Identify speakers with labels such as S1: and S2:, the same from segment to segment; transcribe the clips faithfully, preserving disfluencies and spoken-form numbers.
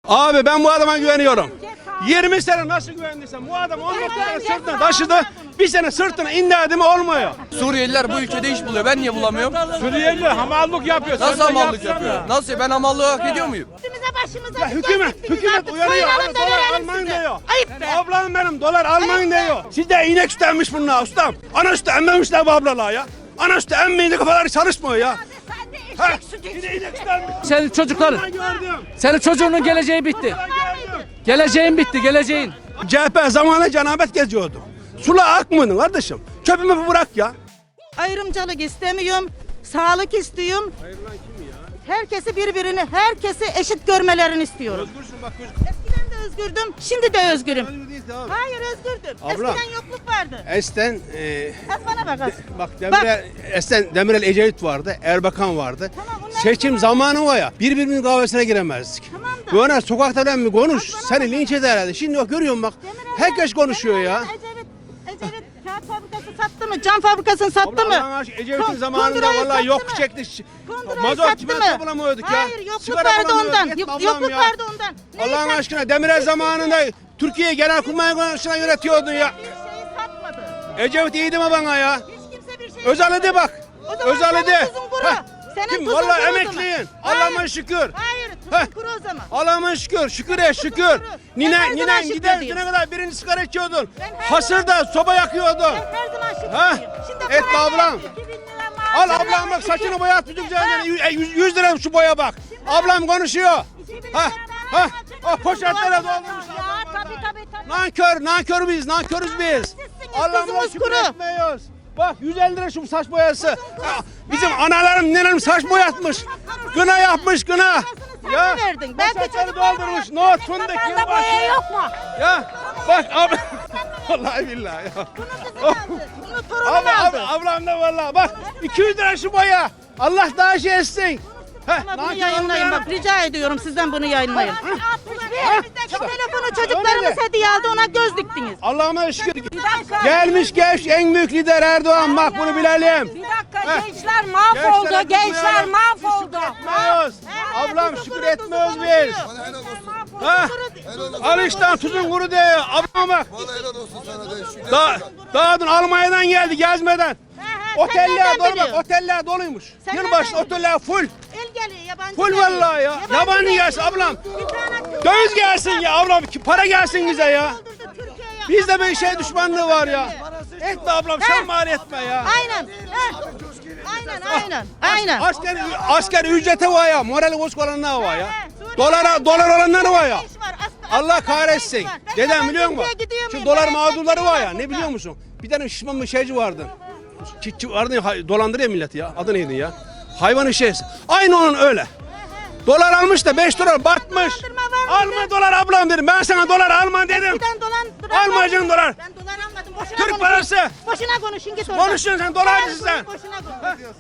S1: Abi ben bu adama güveniyorum. yirmi sene nasıl güvendiysem bu adam on dokuz sene sırtına taşıdı. Bir sene sırtına indirdi mi olmuyor.
S2: Suriyeliler bu ülkede iş buluyor. Ben niye bulamıyorum?
S3: Suriyeli hamallık yapıyor.
S2: Nasıl hamallık yapıyor? Nasıl? Ben hamallığı hak ediyor muyum?
S4: Üstümüze başımıza
S1: Ya hükümet, hükümet uyanıyor. Abi, dolar almayın diyor.
S4: Ayıp be.
S1: Ablam benim dolar almayın diyor. Sizde inek sütü emmiş bunlar ustam. Ana sütü emmemişler bu ablalar ya. Ana sütü emmeyince kafaları çalışmıyor ya.
S4: Sen de
S1: Ha,
S4: eşek sütü
S1: bir de inek sütü emmiş.
S5: Senin çocukların,
S1: Ben gördüm.
S5: senin çocuğunun geleceği bitti. Geleceğin bitti, geleceğin.
S1: C H P zamanında cenabet geziyordu. Sula akmadın kardeşim. Çöpümü bırak ya.
S4: Ayrımcılık istemiyorum. Sağlık istiyorum.
S1: Ayrılan kim ya?
S4: Herkesi birbirini, herkesi eşit görmelerini istiyorum.
S1: Özgürsün bak göz.
S4: Eskiden de özgürdüm, şimdi de özgürüm.
S1: Özgür değilsin abi.
S4: Hayır özgürdüm.
S1: Abla.
S4: Eskiden yokluk vardı.
S1: Esten e,
S4: Az bana bak az.
S1: bak Demirel, Esten Demirel Ecevit vardı, Erbakan vardı.
S4: Tamam, bunlar
S1: Seçim
S4: tamam.
S1: zamanı var ya, birbirimizin kahvesine giremezdik.
S4: Tamam da.
S1: Böyle sokakta ben mi konuş,
S4: Az bana
S1: seni
S4: bak.
S1: linç eder herhalde. Şimdi bak görüyorum bak,
S4: Demirel'den-
S1: herkes konuşuyor ya.
S4: Demirel'den Ecevit, Ecevit kağıt fabrikası sattı mı? Cam fabrikasını sattı mı?
S1: Allah'ın aşkına Ecevit'in
S4: Kon-
S1: zamanında
S4: kundurayı
S1: vallahi
S4: sattı
S1: yok
S4: mı?
S1: çekti.
S4: Kundurayı
S1: Mazot
S4: sattı
S1: çimento
S4: mı?
S1: bulamıyorduk ya.
S4: Hayır yokluk
S1: Sigara
S4: vardı
S1: bulamıyorduk.
S4: ondan.
S1: Yetme
S4: Yok-
S1: Allah'ım
S4: Yokluk
S1: ya.
S4: vardı ondan. Neyi
S1: Allah'ın
S4: sattı?
S1: aşkına Demirel zamanında Türkiye Genelkurmay Konseyi'ne yönetiyordun ya.
S4: Bir şeyi satmadı.
S1: Ecevit iyiydi mi bana ya?
S4: Hiç kimse bir şey
S1: Özal'ı de bak.
S4: O zaman
S1: Özal'ı
S4: senin
S1: de.
S4: tuzun kuru.
S1: Heh.
S4: Senin
S1: Kim?
S4: tuzun
S1: Vallahi
S4: kuru o
S1: emekliyin.
S4: zaman.
S1: Allah'ıma
S4: Hayır.
S1: şükür.
S4: Hayır tuzun
S1: Heh.
S4: kuru o zaman.
S1: Allah'ıma şükür. Şükür et şükür.
S4: Ben
S1: Nine,
S4: her zaman
S1: ninen
S4: şükür
S1: gider
S4: diyeyim.
S1: düne kadar birinci sigara içiyordun.
S4: Ben her
S1: Hasırda soba yakıyordun.
S4: Ben her zaman şükür
S1: Ha?
S4: diyeyim. Şimdi
S1: Et
S4: para
S1: ablam.
S4: geldi. iki bin lira
S1: Al
S4: maaşım
S1: ablam
S4: var.
S1: bak saçını
S4: İki-
S1: boyat bütün
S4: Ha?
S1: güzelce. yüz lira şu boya bak. Ablam konuşuyor.
S4: iki bin
S1: Ha?
S4: lira
S1: Ha?
S4: maaşım
S1: O
S4: var.
S1: poşetlere
S4: Ya
S1: doldurmuşlar.
S4: tabii tabii tabii.
S1: Nankör, nankör biz, nankörüz biz.
S4: Sizsiniz,
S1: Allah'ıma
S4: tuzumuz
S1: şükür
S4: kuru.
S1: etmiyoruz. Bak yüz elli lira şu saç boyası. Ya, bizim analarım, nenem saç boyatmış. Gına yapmış gına.
S4: Sen mi verdin? Belki
S1: poşetleri
S4: çocuklar
S1: doldurmuş.
S4: da-
S1: Nohut, fındık,
S4: Fazla
S1: yılbaşı.
S4: boya yok mu?
S1: Ya bak abi. Vallahi billahi ya.
S4: Bunu kızım aldı. Bunu torunum
S1: Abi, abi,
S4: aldı.
S1: ablam da vallahi bak iki yüz lira şu boya. Allah daha şey etsin. Heh,
S4: Ama bunu
S1: nankör
S4: yayınlayın
S1: olmayan-
S4: bak rica ediyorum sizden bunu yayınlayın.
S1: Ha?
S4: Şu telefonu çocuklarımız hediye aldı ona göz diktiniz.
S1: Allah'ıma şükür.
S6: dakika.
S1: Gelmiş geç en büyük lider Erdoğan bak bunu bilelim.
S6: Bir dakika
S1: Heh.
S6: gençler mahvoldu,
S1: Gençlere
S6: gençler
S1: kızmayalım.
S6: mahvoldu.
S1: Etmiyoruz. Ablam şükür etmiyoruz biz. Ha? Al işte tuzun kuru diyor. Ablama bak.
S7: Vallahi helal olsun sana de şükür.
S1: Da, dağdın Almanya'dan geldi gezmeden. Oteller
S4: nereden
S1: dolu bak
S4: biliyorsun?
S1: oteller doluymuş.
S4: Sen
S1: Yılbaşı
S4: nereden
S1: oteller full.
S4: El geliyor yabancı.
S1: Full
S4: geliyor.
S1: vallahi ya. Yabancı gelsin ablam.
S4: Bir tane
S1: Döviz gelsin ya ablam. ki Para gelsin bize ya.
S4: doldurdu Türkiye'ye.
S1: Bizde bir şey düşmanlığı var ya. Etme ablam sen mal etme ya.
S4: Aynen. ha. Aynen aynen. Aynen.
S1: Asker, asker ücreti var ya. Morali bozuk olanlar var ya.
S4: He, Suriye'de
S1: Dolara, dolar olanları var ya.
S4: iş var, aslan-
S1: Allah
S4: aslan
S1: kahretsin.
S4: iş var. Ben
S1: Dedem
S4: yabancı
S1: biliyor musun?
S4: ülkeye gidiyor
S1: Şu
S4: muyum?
S1: dolar
S4: Ben
S1: mağdurları var ya.
S4: burada.
S1: Ne biliyor musun? Bir tane şişman bir şeyci vardı. Çiftçi vardı ya, hay- dolandırıyor milleti ya. Adı neydi ya? Hayvan işesi. Aynı onun öyle. Dolar almış da beş dolar batmış.
S4: Dolandırma var mıydı?
S1: Alma dolar ablam dedim. Ben sana dolar alma dedim.
S4: Eskiden dolan, dolar
S1: Almayacaksın dolar.
S4: Ben dolar almadım. Boşuna
S1: Türk
S4: konuşun.
S1: parası.
S4: Boşuna konuşun git oradan.
S1: Konuşuyorsun sen dolarcısın sen.
S4: Boşuna konuş.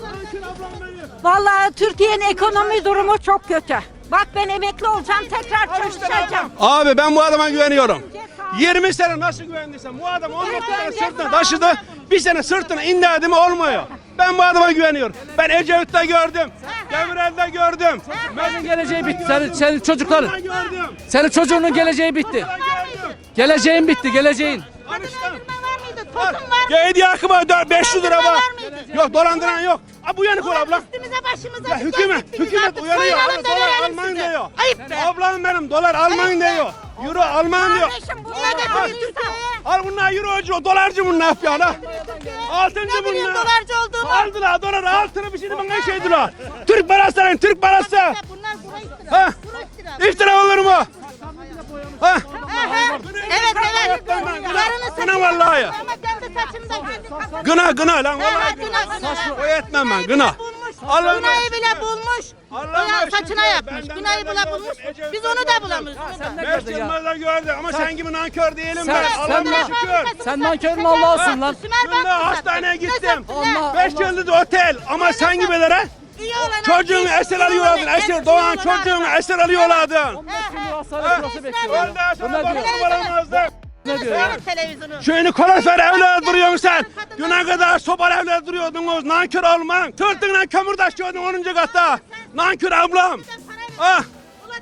S6: Vallahi Türkiye'nin ekonomi durumu çok kötü. Bak ben emekli olacağım, tekrar çalışacağım.
S1: Abi ben bu adama güveniyorum. yirmi sene nasıl güvendiysem bu adam on dokuz sene sırtına taşıdı. Bir sene sırtına indirdi mi olmuyor. Ben bu adama güveniyorum. Ben Ecevit'te gördüm. Demirel'de gördüm.
S5: Senin geleceği bitti. Senin, senin çocukların,
S1: Ben gördüm.
S5: senin çocuğunun geleceği bitti.
S1: Ben gördüm.
S5: Geleceğin bitti, geleceğin.
S1: Al işte.
S4: Var mıydı?
S1: Var.
S4: Tosun var mı?
S1: Ya hediye akıma beş yüz lira var.
S4: Var mıydı?
S1: Yok dolandıran yok. Ha bu yanık ol abla.
S4: Üstümüze başımıza.
S1: Ya
S4: bir
S1: hükümet,
S4: geldik, biz
S1: hükümet
S4: artık
S1: uyanıyor.
S4: soyunalım
S1: Abi
S4: da
S1: dolar
S4: verelim
S1: almayın
S4: size.
S1: diyor.
S4: Ayıp be.
S1: Ablam benim dolar almayın
S4: Ayıp be.
S1: diyor. Euro almayın diyor.
S6: Kardeşim
S4: Ne
S6: bunlar
S4: getiriyor
S6: da
S4: Türkiye'ye?
S1: Al bunlar eurocu, dolarcı bunlar yapıyor ha. Altıncı
S4: Ne bileyim
S1: bunlar.
S4: dolarcı olduğumu.
S1: Aldılar dolar altını bir şey bana şey diyorlar. Türk parası arayın Türk parası.
S4: Bunlar kuru iftira.
S1: Ha?
S4: Kuru iftira.
S1: İftira olur mu? Ha?
S4: Ha, ha. Evet evet. Yarını
S1: Gına vallahi ya.
S4: Ama kendi saçımda kendi
S1: Gına gına lan
S4: Ha, ha,
S1: vallahi
S4: gına,
S1: gına.
S4: gına.
S1: O etmem ben gına.
S4: Bulmuş. Günayı bile bulmuş.
S1: Allah'ım
S4: Günah
S1: aşkına,
S4: saçına yapmış.
S1: benden
S4: Günayı
S1: benden
S4: bile bulmuş.
S1: gördüm.
S4: Biz onu da bulamıyoruz. onu da.
S5: Ne
S1: Beş
S5: gördün ya?
S1: yıllarda gördüm ama sen gibi nankör değilim
S5: Sen-
S1: ben.
S5: sen
S1: Allah'ıma
S5: na-
S1: şükür.
S5: Sen nankörün Allah'ısın lan.
S4: Sümer
S1: Dün de
S4: Bank'ı
S1: hastaneye
S4: sattın. Ne
S1: gittim.
S4: sattın lan?
S5: Allah-
S1: Beş yıldız otel ama sen gibilere
S4: İyi olan
S1: çocuğunu
S4: herkes,
S1: esir
S4: iyi
S1: alıyorlardın.
S4: olan
S1: Esir
S4: herkes,
S1: doğan
S4: iyi olan
S1: çocuğunu
S4: herkes.
S1: esir alıyorlardın.
S5: on beş gün hastane sırası bekliyor.
S1: Öldü
S5: ya. Bu
S1: sana
S5: ne diyor?
S1: bakım alamazdı.
S5: Ne diyor ya?
S4: Seyret televizyonu.
S1: Şöyle kalorifer evler duruyorsun sen. Düne kadar sobalı evler duruyordunuz. Nankör olman. Tırtığına kömür taşıyordun onuncu katta. Nankör ablam. Ah.
S4: Ulan telefon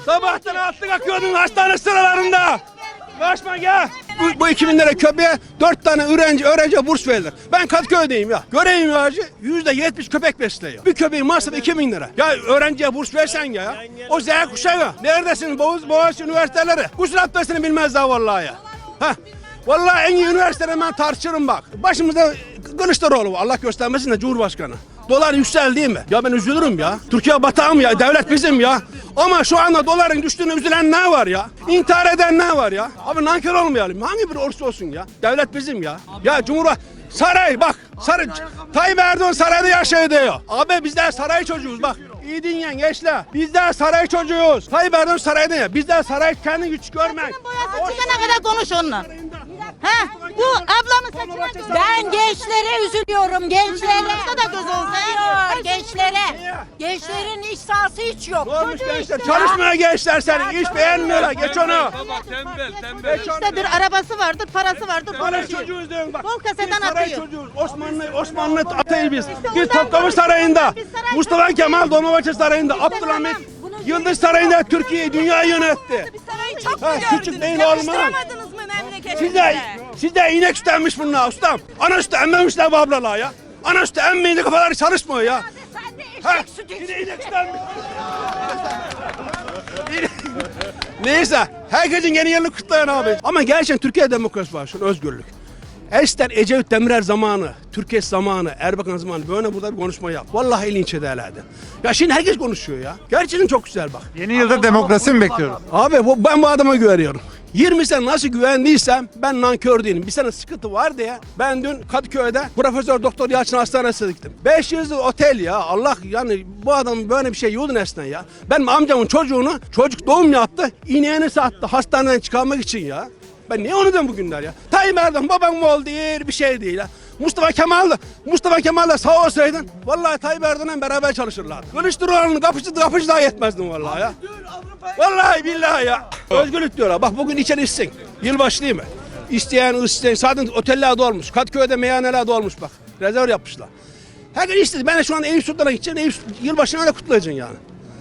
S1: Sabahtan altı kalkıyordun hastane sıralarında. Kaçma gel. Bu, bu iki bin lira köpeğe dört tane öğrenci, öğrenciye burs verilir. Ben Kadıköy'deyim ya. Göreyim ya hacı. Yüzde yetmiş köpek besliyor. Bir köpeğin masrafı iki bin lira. Ya öğrenciye burs versen ya. O Z kuşağı. Neredesin Boğaz, Boğaziçi üniversiteleri? Kusur abdestini bilmez daha vallahi ya. Heh. Vallahi en iyi üniversitede ben tartışırım bak. Başımızda Kılıçdaroğlu Allah göstermesin de Cumhurbaşkanı. Dolar yükseldi değil mi? Ya ben üzülürüm ya. Türkiye batağım ya. Devlet bizim ya. Ama şu anda doların düştüğünü üzülen ne var ya? İntihar eden ne var ya? Abi nankör olmayalım. Hangi bir olursa olsun ya. Devlet bizim ya. Ya Cumhurbaşkanı saray bak. Saray. Tayyip Erdoğan sarayda yaşıyor diyor. Abi bizler saray çocuğuz bak. İyi dinleyin gençler. Bizler saray çocuğuyuz. Tayyip Erdoğan sarayda ya. Bizler saray kendi güç görmek.
S4: Boyası çıkana kadar konuş onunla. Ha, bu ablamı saçına göz.
S6: Ben gençlere üzülüyorum, gençlere.
S4: Başka da göz olsa.
S6: Hayır, gençlere. Gençlerin iş sahası hiç yok.
S1: Ne olmuş
S6: Çocuğu
S1: gençler?
S6: işte
S1: Çalışmaya gençler senin. İş beğenmiyorlar. Geç onu.
S4: İştedir, arabası vardır, parası vardır.
S1: Saray
S4: konuşuyor.
S1: çocuğuz diyorum bak.
S4: Bol kaseden
S1: Biz saray
S4: atıyor.
S1: çocuğuz. Osmanlı Osmanlı atayız biz. Git
S4: ondan
S1: Topkapı
S4: dolayı
S1: Sarayı'nda,
S4: biz saray
S1: Mustafa
S4: çocuğuyuz.
S1: Kemal Dolmabahçe Sarayı'nda, Abdülhamit Yıldız Sarayı'nda Türkiye'yi, dünyayı yönetti.
S7: Çok
S1: Ha, küçük değil olmaz.
S7: Yakıştıramadınız mı memleketinize?
S1: Sizde, sizde inek sütü emmiş bunlar ustam. Ana sütü emmemişler bu ablalar ya. Ana sütü emmeyince kafaları çalışmıyor ya.
S6: Sen de
S1: Ha,
S6: eşek sütü
S1: yine inek sütü emmiş. Neyse, herkesin yeni yılını kutlayan abi. Ama gerçekten Türkiye demokrasi var, şu özgürlük. Eskiden Ecevit Demirel zamanı, Türkiye zamanı, Erbakan zamanı böyle burada bir konuşma yap. Vallahi linç ederlerdi. Ya şimdi herkes konuşuyor ya. Gerçekten çok güzel bak.
S3: Yeni yılda demokrasi mi bekliyoruz?
S1: Abi bu, ben bu adama güveniyorum. yirmi sene nasıl güvendiysem ben nankör değilim. Bir sene sıkıntı var diye ben dün Kadıköy'de Profesör Doktor Yalçın Hastanesi'ne gittim. beş yıldızlı otel ya. Allah yani bu adam böyle bir şey yolun esnen ya. Benim amcamın çocuğunu çocuk doğum yaptı. İneğini sattı hastaneden çıkarmak için ya. Ben niye onu diyorum bugünler ya? Tayyip Erdoğan babam mı oldu değil bir şey değil ha. Mustafa Kemal'la Mustafa Kemal'la sağ olsaydın vallahi Tayyip Erdoğan'la beraber çalışırlardı. Kılıçdaroğlu'nun kapıcı kapıcı daha yetmezdin vallahi ya. Vallahi billahi ya. Özgürlük diyorlar. Bak bugün içeri içsin. Yılbaşı değil mi? İsteyen isteyen zaten oteller dolmuş. Kadıköy'de meyhaneler dolmuş bak. Rezerv yapmışlar. Herkes istedi. Ben de şu an Eyüp Sultan'a gideceğim. Eyüp yılbaşını öyle kutlayacaksın yani.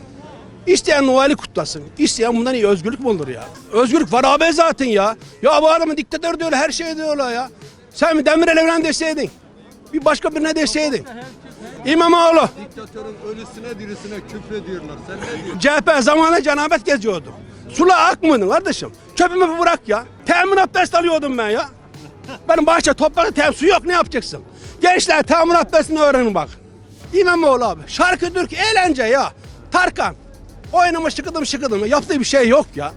S1: İsteyen Noel'i kutlasın. İsteyen bundan iyi özgürlük mü olur ya? Özgürlük var abi zaten ya. Ya bu adamın diktatör diyorlar, her şey diyorlar ya. Sen mi Demirel evlen deseydin? Bir başka birine deseydin. İmamoğlu.
S8: Diktatörün ölüsüne dirisine küfrediyorlar. Sen ne diyorsun?
S1: C H P zamanında cenabet geziyordu. Sula akmadın kardeşim. Çöpümü bırak ya. Temin abdest alıyordum ben ya. Benim bahçe toprakta tem su yok ne yapacaksın? Gençler temin abdestini öğrenin bak. İmamoğlu abi. Şarkı, türkü, eğlence ya. Tarkan. Oynama şıkıdım şıkıdım. Yaptığı bir şey yok ya.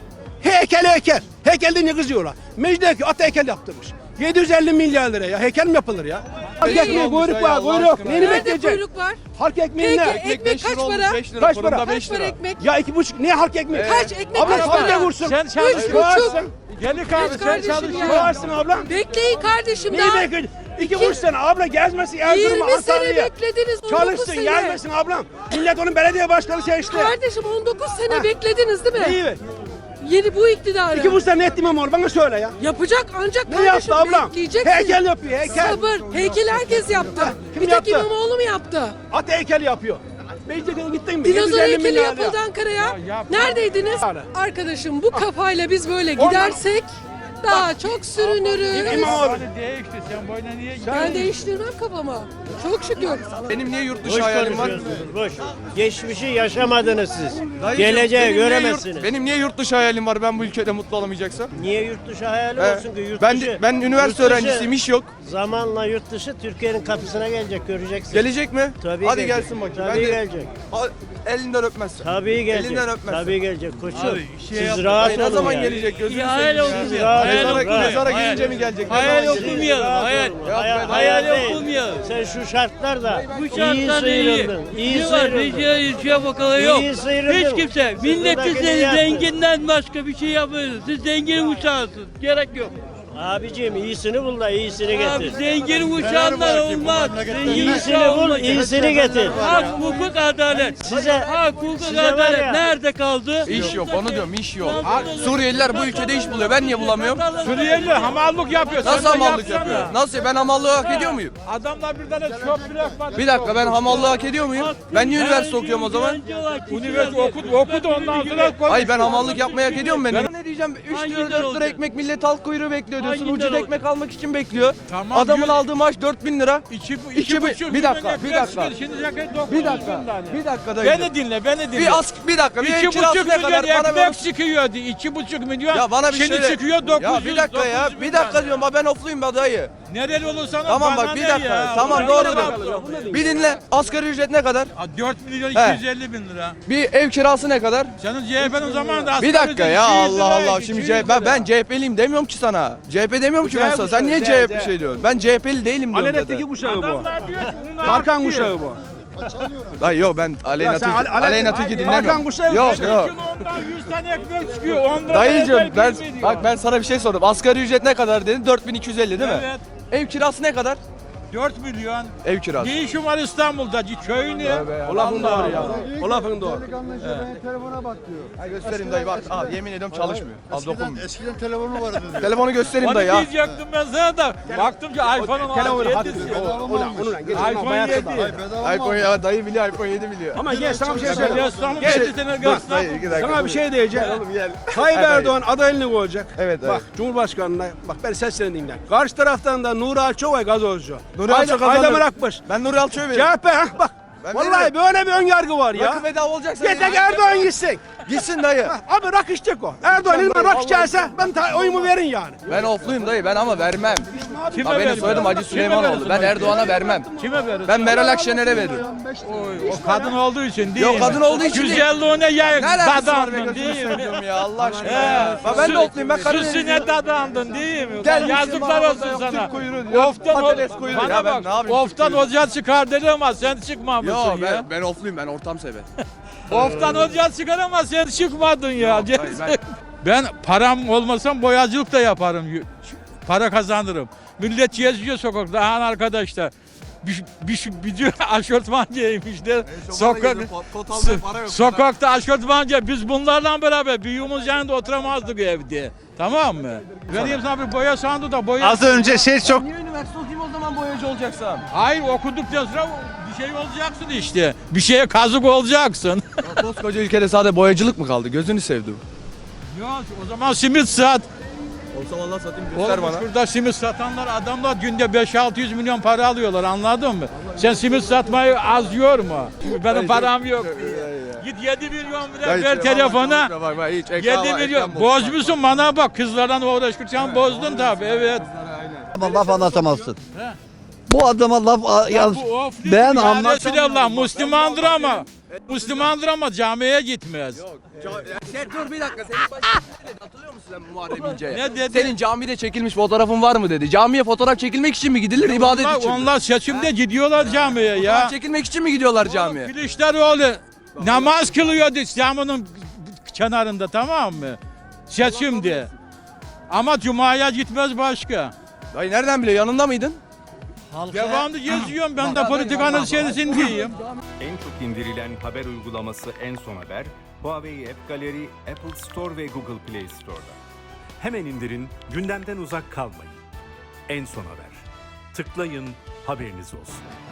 S1: Heykel heykel. Heykel deyince kızıyorlar. Mecidiyeköy at heykel yaptırmış. yedi yüz elli milyar lira ya. Heykel mi yapılır ya? Halk ekmeği kuyruk var kuyruk. Neyini
S7: Nerede
S1: bekleyecek?
S7: kuyruk var?
S1: Halk ekmeği
S7: Peki,
S1: ne?
S7: ekmek
S2: beş
S7: kaç
S2: lira olmuş,
S7: para?
S2: beş lira,
S1: Kaç
S2: fırında
S1: para?
S2: beş
S7: Kaç para
S2: lira.
S7: ekmek?
S1: Ya iki buçuk. Ne halk ekmeği?
S7: Kaç ekmek
S1: Abla
S7: kaç
S1: sen de
S7: para?
S1: vursun.
S3: Sen
S7: Üç
S3: çalışıyorsun.
S7: buçuk.
S3: Gelin kardeşim sen
S7: kardeşim
S3: çalışıyorsun.
S7: ya.
S1: Çağırsın abla.
S7: Bekleyin kardeşim
S1: Neyi
S7: daha.
S1: bekliyorsun? İki buçuk sene abla gezmesin Erzurum'a
S7: yirmi sene
S1: Antalya'ya.
S7: beklediniz. on dokuz
S1: Çalışsın
S7: sene.
S1: gelmesin ablam. Millet onun belediye başkanı seçti.
S7: Kardeşim on dokuz sene
S1: Ha.
S7: beklediniz değil mi?
S1: Neyi?
S7: Yeni bu iktidarı.
S1: İki buçuk sene ne etti İmamoğlu bana söyle ya.
S7: Yapacak ancak
S1: Ne
S7: kardeşim
S1: yaptı ablam?
S7: bekleyeceksin.
S1: Heykel yapıyor heykel.
S7: Sabır. Heykel herkes yaptı.
S1: Kim
S7: bir tek
S1: yaptı?
S7: İmamoğlu mu yaptı?
S1: At heykel yapıyor. Beşiktaş'a gittin mi?
S7: Dinozor
S1: yedi yüz elli
S7: heykeli
S1: milyar
S7: yapıldı
S1: lira.
S7: Ankara'ya.
S3: yap.
S7: Neredeydiniz?
S1: Yani.
S7: Arkadaşım bu kafayla biz böyle
S1: Ondan-
S7: gidersek daha çok sürünürüz.
S1: İmamoğlu.
S3: Değişti sen boyuna niye
S7: Ben değiştirmem kafamı. Çok şükür.
S2: Benim niye yurt
S9: Boş
S2: dışı hayalim var?
S9: konuşuyorsunuz, boş. Geçmişi yaşamadınız siz.
S2: Dayıcım,
S9: Geleceği
S2: benim niye
S9: göremezsiniz.
S2: Yurt, benim niye yurt dışı hayalim var ben bu ülkede mutlu olamayacaksam?
S9: Niye yurt dışı hayali
S2: He.
S9: olsun ki? Yurt
S2: ben
S9: dışı,
S2: ben üniversite
S9: yurt dışı
S2: öğrencisiyim, iş yok.
S9: Zamanla yurt dışı Türkiye'nin kapısına gelecek, göreceksin.
S2: Gelecek mi?
S9: Tabii
S2: Hadi
S9: gelecek.
S2: gelsin bakayım.
S9: Tabii
S2: Ben de-
S9: gelecek.
S2: Al, elinden öpmezsen.
S9: Tabii gelecek.
S2: Elinden öpmezsen.
S9: Tabii gelecek koçum. Siz
S2: Ay,
S9: rahat
S2: ne
S9: olun
S2: zaman
S9: yani.
S2: gelecek gözünü
S10: hayal
S2: seveyim ya.
S10: okumuyor.
S9: Rahat
S10: Hayal
S9: olun,
S10: okumuyor.
S9: rahat.
S2: Mezara
S10: Hayal-
S2: gelince mi gelecek? Ne
S10: Hayal
S2: zaman gelecek?
S10: okumuyor.
S9: Rahat
S10: Hayal.
S9: olun.
S2: Yapma,
S9: Hayal,
S10: hayal
S9: hayal değil.
S10: okumuyor.
S9: Sen şu şartlarda
S10: Bu
S9: iyi
S10: şartlarda iyi.
S9: sıyrıldın. İyi
S10: Ne var?
S9: sıyrıldın.
S10: Rica ilçeye bakalım yok.
S9: İyi sıyrıldın.
S10: Hiç kimse. Millet
S9: Sırtındakini
S10: size
S9: yaptın.
S10: zenginden başka bir şey yapmıyor. Siz zengin uçağısınız. Gerek yok.
S9: Abicim iyisini bul da iyisini
S10: Abi
S9: getir.
S10: zengin uçanlar olmaz. Zengin
S9: İyisini
S10: uçan
S9: bul,
S10: olmaz.
S9: iyisini getir.
S10: Hak, hukuk, adalet.
S9: Size-
S10: hak, hukuk,
S9: size var
S10: adalet
S9: ya-
S10: nerede kaldı?
S2: İş yok onu diyorum iş yok.
S10: Nasıl
S2: Ha,
S10: olur?
S2: Suriyeliler bu ülkede iş buluyor. Ben niye bulamıyorum?
S3: Suriyeli hamallık yapıyor.
S2: Nasıl
S3: Sen de
S2: hamallık
S3: yapsana.
S2: yapıyor? Nasıl? Ben hamallığı hak ediyor muyum?
S3: Adamlar bir tane çöp bırakmadı.
S2: Bir dakika ben hamallığı hak ediyor muyum? Ben niye üniversite okuyorum o zaman?
S3: Üniversite okudu, okudu ondan sonra konuş.
S2: Hayır ben hamallık yapmayı hak ediyor muyum ben?
S3: Ben-
S2: Ne diyeceğim? üç
S10: Hangi
S2: lira
S10: lira
S2: dört lira
S10: olacak?
S2: ekmek millet halk kuyruğu bekliyor diyorsun.
S10: Hangi
S2: Ucuz
S10: lira
S2: ekmek almak için bekliyor.
S3: Tamam,
S2: Adamın
S3: yüz-
S2: aldığı maaş dört bin lira.
S3: İki,
S2: İki
S3: iki,
S2: bu-
S3: buçuk
S2: bir dakika,
S3: milyon
S2: bir dakika.
S3: ekmek şimdi yaklaşık dokuz
S2: Bir
S3: yüz
S2: dakika.
S3: bin tane.
S2: Bir dakika dayı.
S3: Beni dinle, beni dinle.
S2: Bir as bir dakika. Bir
S3: İki
S2: ev kirası
S3: buçuk
S2: ne
S3: milyon
S2: kadar? Bana
S3: ekmek
S2: ver.
S3: çıkıyordu. İki buçuk milyon.
S2: Ya bana bir
S3: Şimdi
S2: şöyle.
S3: çıkıyor dokuz yüz.
S2: Ya bir dakika ya.
S3: dokuz yüz
S2: Bir
S3: bin
S2: dakika
S3: tane.
S2: diyorum. Ben ofluyum be dayı.
S3: Nereli olursan ol,
S2: Tamam
S3: bana
S2: bak bir
S3: ne
S2: dakika.
S3: ya?
S2: Tamam
S3: Bana
S2: doğru
S3: ne
S2: diyorsun.
S3: yaptın?
S2: Bir dinle. Asgari ücret ne kadar?
S3: Ha, dört milyon
S2: He.
S3: iki yüz elli bin lira.
S2: Bir ev kirası ne kadar?
S3: Senin C H P'nin zamanında
S2: Bir
S3: asgari
S2: dakika
S3: ücret
S2: ya
S3: iki yüz
S2: Allah
S3: liraydı,
S2: Allah.
S3: iki
S2: Şimdi
S3: yüz
S2: C H P ben,
S3: lira.
S2: ben C H P'liyim demiyorum ki sana. C H P demiyorum ki ben sana. Sen niye C H P şey diyorsun? Ben C H P'li değilim diyorum
S1: Alenetteki
S2: zaten.
S1: kuşağı bu.
S3: Adamlar diyor ki bunu
S1: Tarkan
S3: yapıyor.
S1: kuşağı bu.
S2: Hayır yok ben Aleyna
S1: Ya sen
S2: Tilki
S1: Ale- Ale-
S2: Aleyna Tilki
S1: Hakan
S2: dinlemiyorum.
S1: Kuşağı-
S2: Yok
S3: Kilo
S2: yok.
S3: ondan yüz tane ekmek çıkıyor. on lira
S2: Dayıcım
S3: eder
S2: ben
S3: bilmiyor.
S2: bak ben sana bir şey sordum. Asgari ücret ne kadar dedin? dört bin iki yüz elli değil mi?
S3: Evet.
S2: Ev kirası ne kadar?
S3: dört milyon.
S2: Ev kirası.
S3: Ne işin var İstanbul'da? Köyün ne?
S1: O lafın doğru ya. O lafın doğru.
S2: Ha, göstereyim dayı bak. Al yemin ediyorum çalışmıyor. Al dokunmuyor.
S8: Eskiden telefonu vardı diyor.
S2: Telefonu göstereyim
S3: Onu
S2: dayı ya.
S3: diyecektim ben sana da. Baktım ki iPhone'un
S1: Telefonu hadi.
S3: yedisi.
S1: O- Ulan onunla geç.
S3: iPhone yedi.
S2: iPhone ya dayı biliyor iPhone yedi biliyor.
S1: Ama gel sana bir şey
S3: Ya
S1: söyleyeyim.
S3: İstanbul
S1: Gel.
S3: yedi sene
S2: Dur
S3: gaslan.
S2: dayı iki dakika.
S1: Sana bir şey diyeceğim.
S2: gel.
S1: Tayyip
S2: Evet,
S1: Erdoğan adaylığını koyacak.
S2: Evet,
S1: Bak
S2: evet.
S1: Cumhurbaşkanı'na bak ben seslerini dinle. Karşı taraftan da Nuri Alçoğay gazozcu.
S2: Nuri Alço kazanır.
S1: Aydemir Akbaş.
S2: Ben Nuri Alço'yu veririm.
S1: C H P ha bak.
S2: Ben
S1: Vallahi
S2: veririm.
S1: böyle bir ön yargı var ya.
S2: Rakı bedava olacaksa.
S1: Yeter ki Erdoğan gitsin.
S2: Gitsin dayı.
S1: Abi rak içecek o. Erdoğan ilman rak içerse ben ta- oyumu verin yani.
S2: Ben ofluyum dayı ben ama vermem.
S3: Kime
S2: Ha, benim
S3: verirsin?
S2: soyadım Hacı
S3: Kime
S2: Süleymanoğlu.
S3: verirsin
S2: Ben
S3: oyu?
S2: Erdoğan'a vermem.
S3: Kime verirsin?
S2: Ben Meral Akşener'e veririm.
S3: Oy, o kadın olduğu için değil
S2: Yok,
S3: mi?
S2: kadın olduğu için değil.
S3: Güzelliğine ya
S2: Ne alakası var be
S3: dadandın
S2: gözünü
S3: değil mi?
S2: seveyim ya Allah aşkına
S3: He.
S2: ya. Bak ben de ofluyum ben Karadenizliyim.
S3: Süsüne dadandın değil mi?
S2: Gel
S3: Ulan
S2: bizim
S3: yazıklar
S2: ağzımızda
S3: olsun
S2: yok,
S3: sana.
S2: Türk kuyruğu diyor,
S3: Oftan,
S2: patates kuyruğu.
S3: bana
S2: Ya ben
S3: bak,
S2: ne yapayım, Türk
S3: oftan
S2: kuyruğu?
S3: hoca çıkar dedi ama sen çıkmamışsın
S2: Yok
S3: ya.
S2: ben, ben ofluyum ben ortam sever.
S3: Oftan hoca çıkar ama sen çıkmadın ya.
S2: hayır, ben-
S3: Ben param olmasam boyacılık da yaparım. Para kazanırım. Millet geziyor sokakta. Aha arkadaşlar. Bir, bir, bir, bir aşortman giymişler. Sokak, sokakta aşortmanca. Biz bunlarla beraber büyüğümüz yanında oturamazdık evde. Tamam mı? Vereyim sana bir boya sandığı da boya.
S5: Az önce şey çok
S2: Niye üniversite okuyayım o zaman boyacı olacaksam?
S3: Hayır okuduktan sonra bir şey olacaksın işte. Bir şeye kazık olacaksın.
S2: Ya koskoca ülkede sadece boyacılık mı kaldı? Gözünü sevdim.
S3: Yok o zaman simit sat.
S2: Olsa vallahi satayım göster
S3: Oğlum
S2: bana.
S3: şurada simit satanlar adamlar günde beş altı yüz milyon para alıyorlar anladın mı? Sen simit satmayı az yor mu? Benim param yok. Git yedi milyon lira ver telefona.
S2: Bak bak hiç
S3: yedi milyon. Bozmuşsun bana bak kızlardan uğraşırken bozdun tabii evet.
S8: Laf anlatamazsın.
S3: He.
S8: Bu adama laf a- yalnız
S3: Bu ofli
S8: ben
S3: ya
S8: anlatamam.
S3: Resulallah Müslümandır ama Müslümandır ama camiye gitmez.
S2: Sen dur bir dakika senin başına ne dedi hatırlıyor musun sen Muharrem İnce'ye?
S3: Ne dedi?
S2: Senin camide çekilmiş fotoğrafın var mı dedi. Camiye fotoğraf çekilmek için mi gidilir ibadet
S3: Onlar,
S2: için mi?
S3: onlar seçimde gidiyorlar camiye
S2: Fotoğraf
S3: ya.
S2: çekilmek için mi gidiyorlar camiye?
S3: Kılıçdaroğlu namaz kılıyordu camının kenarında tamam mı? Seçimde. Ama cumaya gitmez başka.
S2: Dayı nereden biliyor yanında mıydın?
S3: Devamlı geziyorum ben de politikanın içerisindeyim.
S11: En çok indirilen haber uygulaması En Son Haber, Huawei App Gallery, Apple Store ve Google Play Store'da. Hemen indirin, gündemden uzak kalmayın. En Son Haber. Tıklayın, haberiniz olsun.